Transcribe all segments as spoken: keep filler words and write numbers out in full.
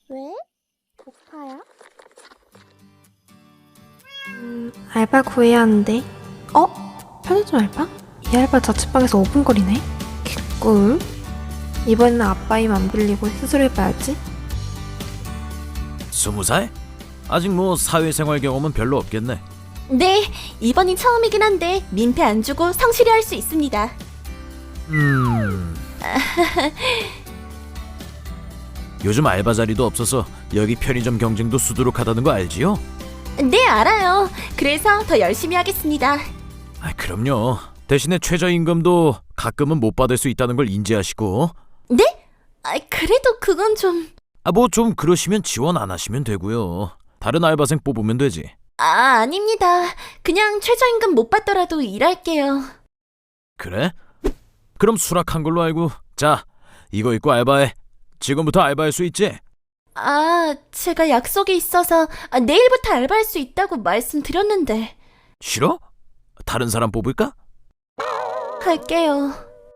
왜? 고파요? 음, 알바 구해야 하는데. 어? 편의점 알바? 이 알바 자취방에서 오 분 거리네? 개꿀. 이번에는 아빠 힘 안 빌리고 스스로 해봐야지. 스무 살? 아직 뭐 사회생활 경험은 별로 없겠네. 네, 이번이 처음이긴 한데 민폐 안 주고 성실히 할 수 있습니다. 음... 요즘 알바 자리도 없어서 여기 편의점 경쟁도 수두룩하다는 거 알지요? 네, 알아요. 그래서 더 열심히 하겠습니다. 아, 그럼요. 대신에 최저임금도 가끔은 못 받을 수 있다는 걸 인지하시고. 네? 아, 그래도 그건 좀... 아, 뭐 좀 그러시면 지원 안 하시면 되고요. 다른 알바생 뽑으면 되지. 아, 아닙니다. 그냥 최저임금 못 받더라도 일할게요. 그래? 그럼 수락한 걸로 알고. 자, 이거 입고 알바해. 지금부터 알바할 수 있지? 아, 제가 약속이 있어서 아, 내일부터 알바할 수 있다고 말씀드렸는데. 싫어? 다른 사람 뽑을까? 할게요.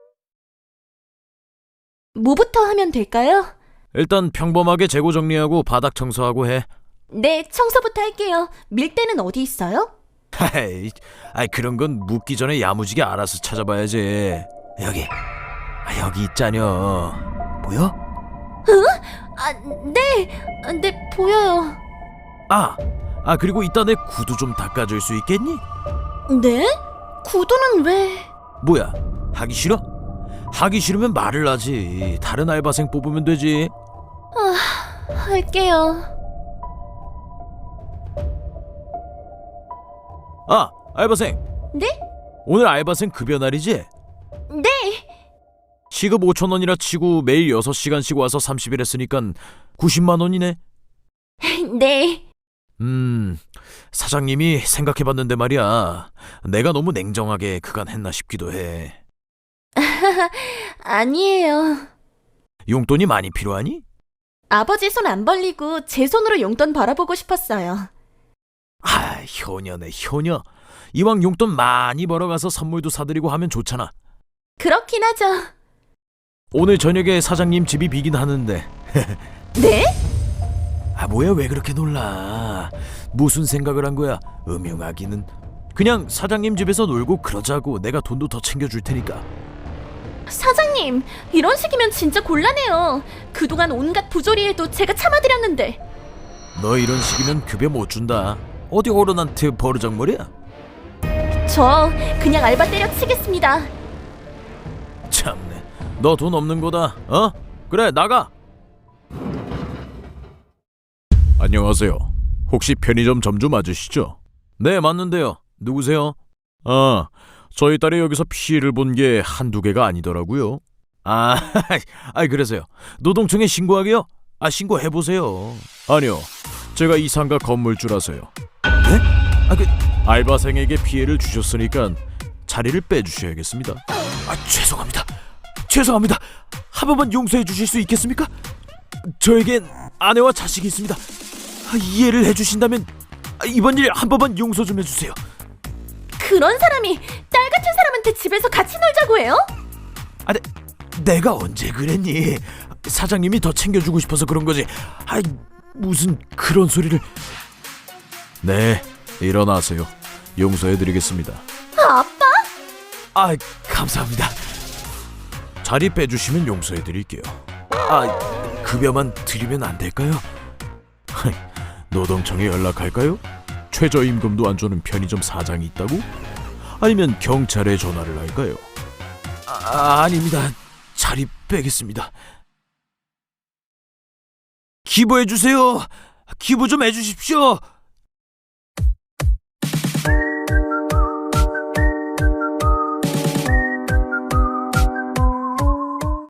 뭐부터 하면 될까요? 일단 평범하게 재고 정리하고 바닥 청소하고 해. 네, 청소부터 할게요. 밀대는 어디 있어요? 하이, 아이 그런 건 묻기 전에 야무지게 알아서 찾아봐야지. 여기, 아, 여기 있자녀. 보여? 아, 네, 아, 네, 보여요. 아, 아 그리고 이따 내 구두 좀 닦아줄 수 있겠니? 네? 구두는 왜? 뭐야, 하기 싫어? 하기 싫으면 말을 하지. 다른 알바생 뽑으면 되지. 아, 할게요. 아, 알바생. 네? 오늘 알바생 급여 날이지? 네. 시급 오천 원이라 치고 매일 여섯 시간씩 와서 삼십 일 했으니까 구십만 원이네. 네. 음, 사장님이 생각해봤는데 말이야. 내가 너무 냉정하게 그간 했나 싶기도 해. 아니에요. 용돈이 많이 필요하니? 아버지 손 안 벌리고 제 손으로 용돈 벌어보고 싶었어요. 아, 효녀네 효녀. 이왕 용돈 많이 벌어가서 선물도 사드리고 하면 좋잖아. 그렇긴 하죠. 오늘 저녁에 사장님 집이 비긴 하는데. 네? 아, 뭐야, 왜 그렇게 놀라? 무슨 생각을 한 거야? 음흉하기는. 그냥 사장님 집에서 놀고 그러자고. 내가 돈도 더 챙겨줄 테니까. 사장님, 이런 식이면 진짜 곤란해요. 그동안 온갖 부조리에도 제가 참아드렸는데. 너 이런 식이면 급여 못 준다. 어디 어른한테 버르장머리야? 저 그냥 알바 때려치겠습니다. 참네, 너 돈 없는 거다. 어? 그래, 나가. 안녕하세요. 혹시 편의점 점주 맞으시죠? 네, 맞는데요. 누구세요? 아, 저희 딸이 여기서 피해를 본 게 한두 개가 아니더라고요. 아, 아이 그래서요. 노동청에 신고하게요? 아, 신고해보세요. 아니요, 제가 이 상가 건물주라서요. 네? 아, 그 알바생에게 피해를 주셨으니까 자리를 빼주셔야겠습니다. 아, 죄송합니다. 죄송합니다. 한 번만 용서해 주실 수 있겠습니까? 저에겐 아내와 자식이 있습니다. 아, 이해를 해주신다면 이번 일 한 번만 용서 좀 해주세요. 그런 사람이 딸 같은 사람한테 집에서 같이 놀자고 해요? 아, 내, 내가 언제 그랬니? 사장님이 더 챙겨주고 싶어서 그런 거지. 아, 무슨 그런 소리를. 네, 일어나세요. 용서해드리겠습니다. 아빠? 아, 감사합니다. 자리 빼주시면 용서해드릴게요. 아, 급여만 드리면 안 될까요? 노동청에 연락할까요? 최저임금도 안 주는 편의점 사장이 있다고? 아니면 경찰에 전화를 할까요? 아, 아닙니다. 자리 빼겠습니다. 기부해주세요. 기부 좀 해주십시오.